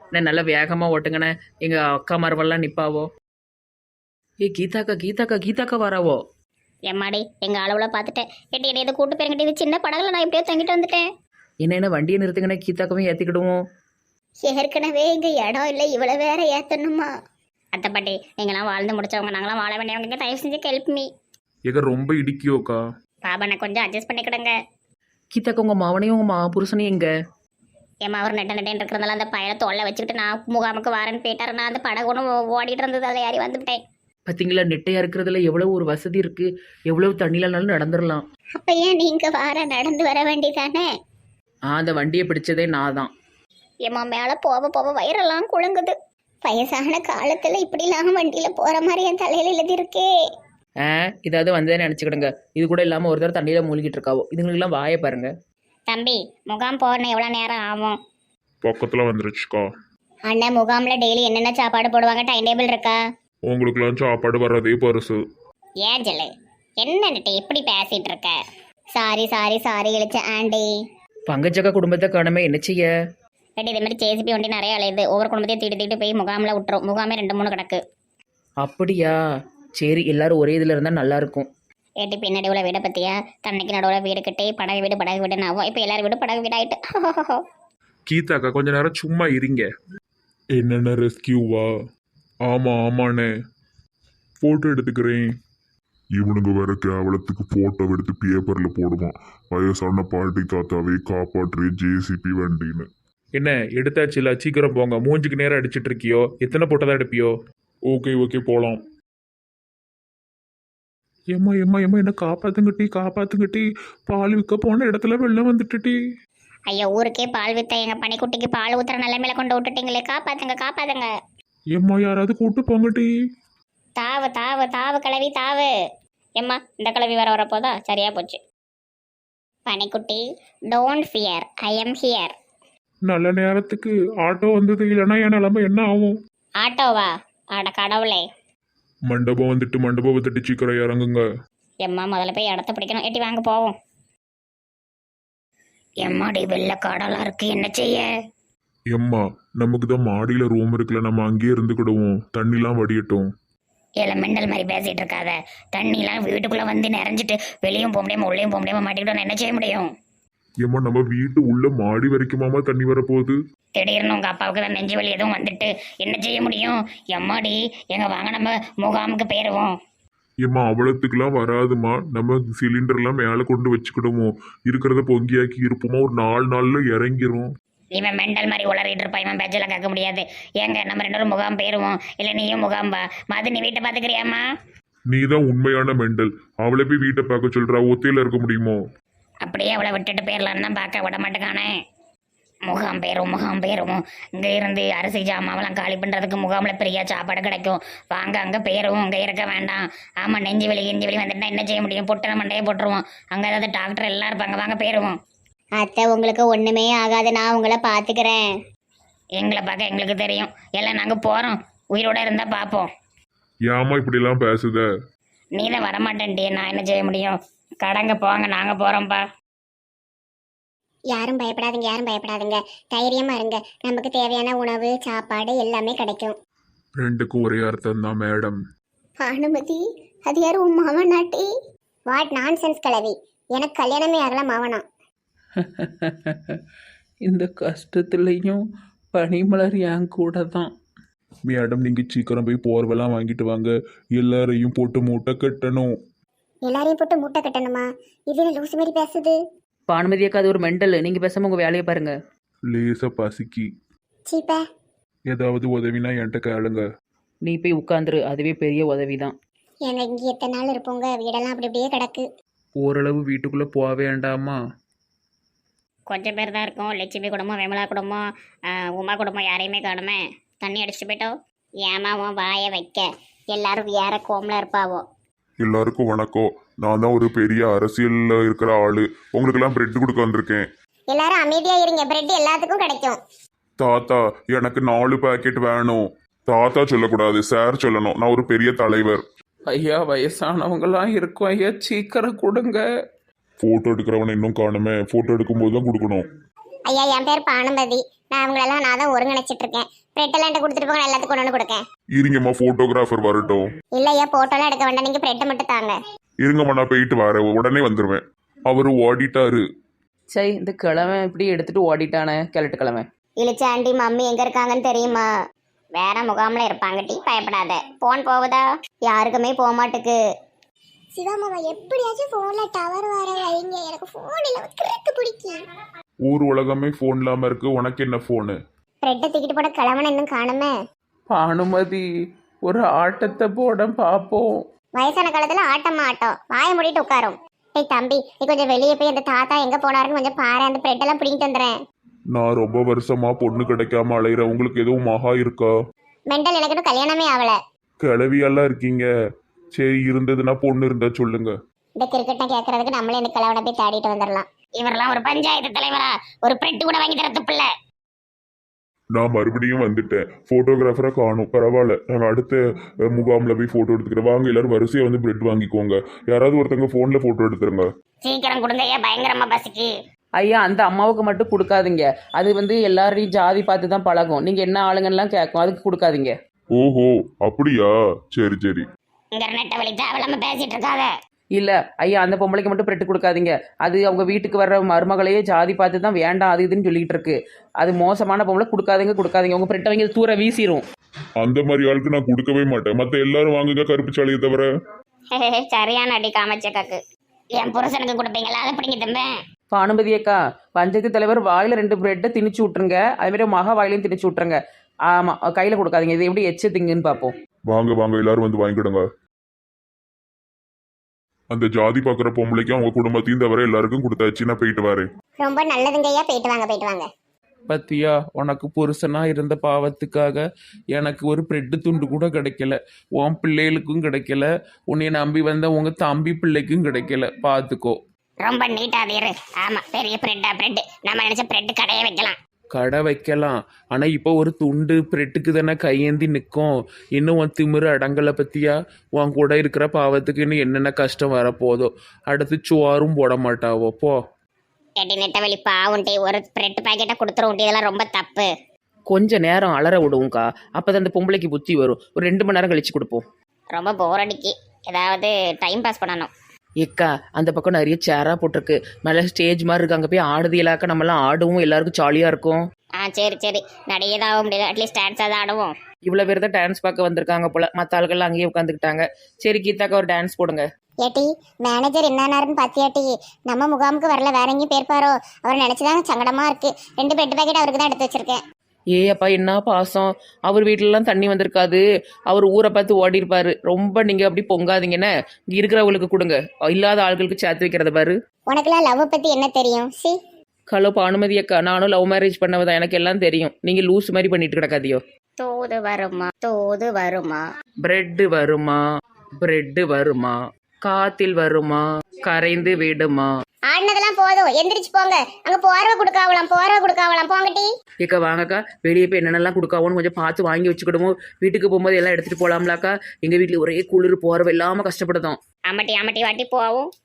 நான் நல்லா வேகமாக ஓட்டுங்கண்ணே. எங்கள் அக்கா மரவெல்லாம் நிற்பாவோ. கீதாக்கா கீதாக்கா கீதாக்கா வராவோ. எம்மாடி எங்கள் அளவில் பார்த்துட்டேன். எட்டி எட்டி இதை கூட்டு போயிருங்கிட்டு இது சின்ன படகுல நான் எப்படியோ தங்கிட்டு வந்துட்டேன். என்ன வண்டியை நிறுத்துங்கண்ணே, கீதாக்காவையும் ஏற்றிக்கிடுவோம். ஏற்கனவே இங்கே இடம் இல்லை, இவ்வளோ வேற ஏற்றணுமா? அத்தை பாட்டி நீங்களாம் வாழ்ந்து முடிச்சவங்க, நாங்களாம் வாழ வேண்டியவங்க, தயவு செஞ்சு ஹெல்ப் மீ. ரொம்ப இடிக்கியோக்கா. பாபா நான் கொஞ்சம் அட்ஜஸ்ட் பண்ணிக்கிடுங்க. கீதாக்கா உங்கள் மாவனையும் உங்கள் புருஷனையும் எங்க? ஏமா அவர் நெட்ட நெட்டேன்னு இருக்கிறதால அந்த பையனை தொல்லை வச்சுக்கிட்டு நான் முகாமுக்கு வரேன்னு போயிட்டாரு. நான் அந்த படகு ஒன்று ஓடிட்டு இருந்தது, அதில் ஏறி வந்துவிட்டேன். பார்த்தீங்களா, நெட்டையாக இருக்கிறதுல எவ்வளோ ஒரு வசதி இருக்குது. எவ்வளோ தண்ணியிலனாலும் நடந்துடலாம். அப்போ ஏன் நீங்கள் நடந்து வர வேண்டியதானே? அந்த வண்டியை பிடிச்சதே நான் தான். ஏமா மேலே போக போக வயிறெல்லாம் குழுங்குது. வயசான காலத்தில் இப்படிலாம் வண்டியில் போகிற மாதிரி என் தலையில் எழுதியிருக்கே. இதாவது வந்ததே நினச்சிக்கிடுங்க. இது கூட இல்லாமல் ஒரு தடவை தண்ணியில் மூழ்கிட்டு இருக்காவோ. இதுங்களுக்கெல்லாம் வாயை பாருங்க. தம்பி முகாம் போகணும் எவ்வளோ நேரம் ஆகும்? பக்கத்தில் வந்துருச்சுக்கா. அண்ணன் முகாமில் டெய்லி என்னென்ன சாப்பாடு போடுவாங்க, டைம் டேபிள் இருக்கா? உங்களுக்குலாம் சாப்பாடு வர்றதே பரிசு. ஏன் ஜெல்லு என்னன்னுட்டு எப்படி பேசிகிட்டு இருக்க? சாரி சாரி சாரி இழிச்ச ஆண்டி. பங்கஜக்கா குடும்பத்தை காணமே, என்ன செய்ய? கேட்டு இதே மாதிரி ஜேசிபி வண்டி நிறைய அலையுது. ஒவ்வொரு குடும்பத்தையும் தீட்டு தீட்டு போய் முகாமில் விட்டுரும். முகாமே 2-3 கிடக்கு. அப்படியா? சரி, எல்லாரும் ஒரே இதில் இருந்தால் நல்லாயிருக்கும். ஏட்டி பின்னாடி உள்ள வீடை பற்றியா? தன்னைக்கு நடுவில் வீடு கட்டி படகு வீடுன்னு ஆகும். இப்போ எல்லாரும் வீடு படகு வீடு ஆகிட்டு. கீதாக்கா கொஞ்ச நேரம் சும்மா இருங்க. என்னென்ன ரெஸ்கியூவா? ஆமாண்ணே, ஃபோட்டோ எடுத்துக்கிறேன். இவனுங்க வேற கேவலத்துக்கு போட்டோ எடுத்து பேப்பர்ல போடுவான். வயசான பாட்டி தாத்தாவை காப்பாற்று ஜேசிபி வண்டின்னு. என்ன எடுத்தாச்சுல, சீக்கிரம் போங்க. மூஞ்சுக்கு நேரம் அடிச்சிட்டு இருக்கியோ? எத்தனை போட்டோ தான் எடுப்பியோ? ஓகே போலாம். ஏம்மா என்ன காப்பாத்துங்கட்டி. பால் விற்க போன இடத்துல வெள்ளம் வந்துட்டுட்டி. ஐயோ ஊருக்கே பால் வித்த எங்கள் பனிக்குட்டிக்கு பால் ஊத்துற நிலைமையில கொண்டு விட்டுட்டீங்களே, காப்பாத்துங்க. ஏம்மா யாராவது கூட்டு போங்கட்டி. தாவு தாவு தாவு கிளவி தாவு. எம்மா இந்த கிளவி வரப்போதா? சரியா போச்சு. பனிக்குட்டி don't fear, I am here. நல்ல நேரத்துக்கு ஆட்டோ வந்தது, இல்லைன்னா என் நிலைமை என்ன ஆகும்? ஆட்டோவா? அட கடவுளே. மண்டபம் வந்துட்டு சீக்கிரம் இறங்குங்க. எம்மா முதல்ல போய் இடத்த பிடிக்கணும். எட்டி வாங்க போவோம். எம்மாடி வெள்ளை காடெல்லாம் இருக்கு, என்ன செய்ய? எம்மா நமக்கு தான் மாடியில ரூம் இருக்குல்ல, நம்ம அங்கேயே இருந்துக்கிடுவோம். தண்ணிலாம் வடியட்டும். இல்லை மெண்டல் மாதிரி பேசிட்டு இருக்காத. தண்ணிலாம் வீட்டுக்குள்ளே வந்து நிறைஞ்சிட்டு வெளியும் போக முடியாமல் உள்ளேயும் போக முடியாமல் மாட்டிக்கிட்டோம், என்ன செய்ய முடியும்? ஏம்மா நம்ம வீட்டு உள்ள மாடி வரைக்குமாமா தண்ணி வரப்போகுது. திடீர்னு உங்கள் அப்பாவுக்கு தான் நெஞ்சு வலி எதுவும் வந்துட்டு என்ன செய்ய முடியும்? எம்மாடி எங்க வாங்க நம்ம முகாமுக்கு போயிடுவோம். ஏம்மா அவ்வளோத்துக்குலாம் வராதுமா. நம்ம சிலிண்டர்லாம் மேலே கொண்டு வச்சுக்கிடுவோம். இருக்கிறத பொங்கியாக்கி இருப்போமா, ஒரு 4 நாள்ல இறங்கிரும். இவன் மெண்டல் மாதிரி உளறிட்டு இருப்பான். இவன் பேச்செல்லாம் கேட்க முடியாது. ஏங்க நம்ம 2 பேரும் முகாம் போயிடுவோம். இல்லை நீயும் முகாம் வா. மது நீ வீட்டை பார்த்துக்கிறியாம்மா? நீ தான் உண்மையான மெண்டல். அவளை போய் வீட்டை பார்க்க சொல்றா. ஒத்தையில இருக்க முடியுமோ? அப்படியே அவளை விட்டுட்டு போயிடலான்னு தான் பார்க்க விட மாட்டேக்கானே. முகாம் போயிடுவோம். இங்கே இருந்து அரிசி ஜாமாவெல்லாம் காலி பண்ணுறதுக்கு முகாமில் பெரிய சாப்பாடு கிடைக்கும். வாங்க அங்கே போயிடுவோம், இங்கே இருக்க வேண்டாம். ஆமாம் நெஞ்சு வலி வந்துட்டா என்ன செய்ய முடியும்? பொட்டனை மண்டையை போட்டுருவோம். அங்கே ஏதாவது டாக்டர் எல்லாம் இருப்பாங்க, வாங்க போயிடுவோம். அத்தை உங்களுக்கு ஒன்றுமே ஆகாது, நான் உங்களை பார்த்துக்கிறேன். எங்களை பார்க்க எங்களுக்கு தெரியும். எல்லாம் நாங்கள் போகிறோம், உயிரோட இருந்தால் பார்ப்போம். ஏமா இப்படிலாம் பேசுத? நீ தான் வரமாட்டேன்ட்டியே, நான் என்ன செய்ய முடியும்? கடங்க போங்க, நாங்கள் போகிறோம்ப்பா. யாரும் பயப்படாதீங்க. தைரியமாக இருங்க. நமக்கு தேவையான உணவு சாப்பாடு எல்லாமே கிடைக்கும். ரெண்டுக்கும் ஒரே அர்த்தம் தான் மேடம். பானுமதி அது யாரும் உன் மாவனாட்டி? வாட் நான்சென்ஸ் கிளவி. எனக்கு கல்யாணமே ஆகலாம் மாவனா. இந்த கஷ்டத்துலையும் பனிமலர் என் கூட தான். மேடம் நீங்கள் சீக்கிரம் போய் போர்வெல்லாம் வாங்கிட்டு வாங்க. எல்லாரையும் போட்டு மூட்டை கட்டணும். எல்லாரையும் போட்டு மூட்டை கட்டணுமா? இது என்ன லூசு மாதிரி பேசுது? பானுமதியாக்கா அது ஒரு மெண்டல். நீங்கள் பேசாமல் உங்கள் வேலையை பாருங்க. லேசா பசிக்கி. சீப்பா ஏதாவது உதவினா என்கிட்ட கேளுங்க. நீ போய் உட்காந்துரு, அதுவே பெரிய உதவி தான். ஏங்க இங்கே எத்தனை நாள் இருப்போங்க? வீடெல்லாம் அப்படி அப்படியே கிடக்கு. ஓரளவு வீட்டுக்குள்ளே போக வேண்டாமா? கொஞ்சம் பேர் தான் இருக்கும். லட்சுமி குடும்பம், விமலா குடும்பம், உமா குடும்பம் யாரையுமே காணுமே. தண்ணி அடிச்சுட்டு போயிட்டோம். ஏமாவோ வாய வைக்க எல்லாரும் வேற கோமில் இருப்பாவோ. எல்லாருக்கும் வணக்கம். நான் தான் ஒரு பெரிய அரசியல்ல இருக்கிற ஆளு. உங்களுக்கெல்லாம் பிரெட் கொடுக்க வந்திருக்கேன். எல்லாரும் அமைதியா இருங்க, பிரெட் எல்லாத்துக்கும் கிடைக்கும். தாத்தா எனக்கு 4 பாக்கெட் வேணும். தாத்தா சொல்லக்கூடாது, சார் சொல்லணும். நான் ஒரு பெரிய தலைவர். ஐயா வயசானவங்களாம் இருக்கும் ஐயா, சீக்கிரம் கொடுங்க. போட்டோ எடுக்கிறவனை இன்னும் காணுமே. போட்டோ எடுக்கும்போது தான் கொடுக்கணும். ஐயா என் பேர் பானுமதி. அவங்களெல்லாம் நான் தான் ஒருங்கிணைச்சிட்டு இருக்கேன். பிரெட் எல்லாம் கொடுத்துட்டு போங்க, நான் எல்லாத்துக்கும் கொண்டு வந்து கொடுக்கேன். இருங்கம்மா போட்டோகிராஃபர் வரட்டும். இல்லையா போட்டோலாம் எடுக்க வேண்டாம், நீங்க பிரெட்டை மட்டும் தாங்க. இருங்கம்மா நான் போயிட்டு வரேன், உடனே வந்துடுவேன். அவரு ஓடிட்டாரு. சரி இந்த கிழமை இப்படி எடுத்துட்டு ஓடிட்டானே கிழட்டு கிழமை. இழிச்ச ஆண்டி மம்மி எங்க இருக்காங்கன்னு தெரியுமா? வேற முகாம்ல இருப்பாங்க டி, பயப்படாத. போன் போகுதா? யாருக்குமே போக மாட்டுக்கு. சிவாமாவா எப்படியாச்சும் போன்ல டவர் வர வைங்க, எனக்கு போன்ல கிறுக்கு பிடிக்கி. ஊர் உலகமே ஃபோன் இல்லாம இருக்கு, உனக்கு என்ன ஃபோனு? பிரெட்டை தூக்கிட்டு போட கிழவன் இன்னும் காணுமே. பானுமதி ஒரு ஆட்டத்தை போட பார்ப்போம். வயசான காலத்துல ஆட்டமா ஆட்டம், வாய மூடிட்டு உட்காரும். ஏய் தம்பி, நீ கொஞ்சம் வெளியே போய் அந்த தாத்தா எங்க போனாருன்னு கொஞ்சம் பாரு, அந்த பிரெட் எல்லாம் பிடிங்கிட்டு வந்துடுறேன். நான் ரொம்ப வருஷமா பொண்ணு கிடைக்காம அலையிறேன். உங்களுக்கு எதுவும் மகா இருக்கா? மெண்டல், எனக்கு இன்னும் கல்யாணமே ஆகல. கிளவியெல்லாம் இருக்கீங்க. சரி இருந்ததுன்னா பொண்ணு இருந்தா சொல்லுங்க. இந்த கிரிக்கெட்டை கேட்கறதுக்கு நம்மளே இந்த கிழவனை போய் தேடிட்டு வந்துடலாம். இவரெல்லாம் ஒரு பஞ்சாயத்து தலைவரா? ஒரு பிரெட் கூட வாங்கி தர துப்பில்ல. நான் மறுபடியும் வந்துட்டேன். போட்டோகிராஃபரை காணும். பரவாயில்ல, நாங்கள் அடுத்த முகாமில் போய் ஃபோட்டோ எடுத்துக்கிறேன். வாங்க எல்லாரும் வரிசையாக வந்து பிரெட் வாங்கிக்கோங்க. யாராவது ஒருத்தங்க ஃபோனில் ஃபோட்டோ எடுத்துருங்க. சீக்கிரம் கொடுங்க ஐயா, பயங்கரமா பசிக்கு. ஐயா அந்த அம்மாவுக்கு மட்டும் கொடுக்காதீங்க. அது எல்லாரையும் ஜாதி பார்த்து தான் பழகும். நீங்கள் என்ன ஆளுங்கலாம் கேட்கும், அதுக்கு கொடுக்காதீங்க. ஓஹோ அப்படியா? சரி சரி. இங்க நெட்ட வழி தேவையில்லாம பேசிட்டு இருக்காத. இல்லை ஐயா அந்த பொம்பளைக்கு மட்டும் பிரெட்டு கொடுக்காதீங்க. அது அவங்க வீட்டுக்கு வர்ற மருமகளையே ஜாதி பார்த்து தான் வேண்டாம் அது இதுன்னு சொல்லிட்டு இருக்கு. அது மோசமான பொம்பளை, கொடுக்காதீங்க. உங்கள் பிரெட்டை வாங்கி தூர வீசிடும். அந்த மாதிரி ஆளுக்கு நான் கொடுக்கவே மாட்டேன். மற்ற எல்லாரும் வாங்குங்க கருப்பு சாலையை தவிர. சரியான அடி காமச்சக்காக்கு. என் புருஷனுக்கு கொடுப்பீங்களா? அதை பிடிங்க தம்பி. பானுமதி அக்கா, பஞ்சாயத்து தலைவர் வாயில் 2 பிரெட்டை திணிச்சு விட்ருங்க. அதுமாரி மகா வாயிலையும் திணிச்சு விட்ருங்க. ஆமாம் கையில் கொடுக்காதீங்க. இது எப்படி எச்சு திங்குன்னு பார்ப்போம். வாங்க வாங்க எல்லாரும் வந்து வாங்கிக்கிடுங்க. அந்த ஜாதி பார்க்குற பொம்பளைக்கும் அவங்க குடும்பத்தையும் தவிர எல்லாருக்கும் கொடுத்தாச்சு. நான் போயிட்டு வரேன். ரொம்ப நல்லதுங்க ஐயா, போயிட்டு வாங்க போயிட்டு வாங்க. பத்தியா உனக்கு புருஷனாக இருந்த பாவத்துக்காக எனக்கு ஒரு பிரெட்டு துண்டு கூட கிடைக்கல. உன் பிள்ளைகளுக்கும் கிடைக்கல, உன்னை நம்பி வந்த உங்கள் தம்பி பிள்ளைக்கும் கிடைக்கல. பார்த்துக்கோ. ரொம்ப நீட்டாதீரு. ஆமா, பெரிய பிரெட்டா பிரெட். நம்ம நினைச்ச பிரெட் கடையே வைக்கலாம். கடை வைக்கலாம், ஆனால் இப்போ ஒரு துண்டு பிரெட்டுக்கு தானே கையேந்தி நிற்கும். இன்னும் உன் திமிரு அடங்கலை பற்றியா? உன் கூட இருக்கிற பாவத்துக்கு இன்னும் என்னென்ன கஷ்டம் வரப்போதோ. அடுத்து சுவாரும் போட மாட்டாவோ. போ. கேட்டி நெட்டவெளி பாவுண்டி, ஒரு பிரெட் பாக்கெட்டை கொடுத்துருவோண்டி. இதெல்லாம் ரொம்ப தப்பு. கொஞ்ச நேரம் அலற விடுவோங்க்கா, அப்போ தான் அந்த பொம்பளைக்கு புத்தி வரும். ஒரு 2 மணி நேரம் கழிச்சு கொடுப்போம். ரொம்ப போர் அடிக்கி. ஏதாவது டைம் பாஸ் பண்ணணும். ஏக்கா அந்த பக்கம் நிறைய சேராக போட்டிருக்கு, மேலே ஸ்டேஜ் மாதிரி இருக்கு. அங்கே போய் ஆடுதியலாக்க நம்மலாம் ஆடுவோம், எல்லாருக்கும் ஜாலியாக இருக்கும். சரி சரி, நடிகை ஆக முடியல, அட்லீஸ்ட் டான்ஸ் தான் ஆடுவோம். இவ்வளோ பேர் தான் டான்ஸ் பார்க்க வந்திருக்காங்க போல, மற்ற ஆளுகள்லாம் அங்கேயே உட்காந்துக்கிட்டாங்க. சரி கீதாக்கா ஒரு டான்ஸ் போடுங்க. ஏட்டி மேனேஜர் என்னன்னாருன்னு பாத்தியாட்டி? நம்ம முகாமுக்கு வரல, வேற எங்கேயும் போயிருப்பாரோ? அவர் நினைச்சுதான் சங்கடமா இருக்கு. 2 பிரெட் பாக்கெட் அவருக்கு தான் எடுத்து வச்சிருக்கேன். ஏ அப்பா என்ன பாசம். அவர் வீட்டிலலாம் தண்ணி வந்திருக்காது, அவர் ஊரை பார்த்து ஓடி இருப்பாரு. ரொம்ப நீங்கள் அப்படி பொங்காதீங்கன்னு இங்கே இருக்கிறவங்களுக்கு கொடுங்க, இல்லாத ஆட்களுக்கு சேர்த்து வைக்கிறத பாரு. உனக்குலாம் லவ் பத்தி என்ன தெரியும்? சி ஹலோ பானுமதி அக்கா, நானும் லவ் மேரேஜ் பண்ணவதான், எனக்கு எல்லாம் தெரியும். நீங்கள் லூஸ் மாதிரி பண்ணிட்டு கிடக்காதியோ. தூது வருமா தூது வருமா, பிரெட்டு வருமா பிரெட்டு வருமா, காத்தில் வருமா கரைந்து விடுமா. ஆடினதெல்லாம் போதும், எந்திரிச்சு போங்க. அங்க போறவ கொடுக்காவலாம் போங்கட்டி. ஏக்கா வாங்கக்கா, வெளியே போய் என்னென்னலாம் கொடுக்காவோன்னு கொஞ்சம் பார்த்து வாங்கி வச்சுக்கிடுவோம். வீட்டுக்கு போகும்போது எல்லாம் எடுத்துகிட்டு போகலாம்லாக்கா. எங்கள் வீட்டில் ஒரே குளிர், போகிறவ இல்லாமல் கஷ்டப்படுதோம். அம்மட்டி அம்மட்டி வாட்டி போவோம்.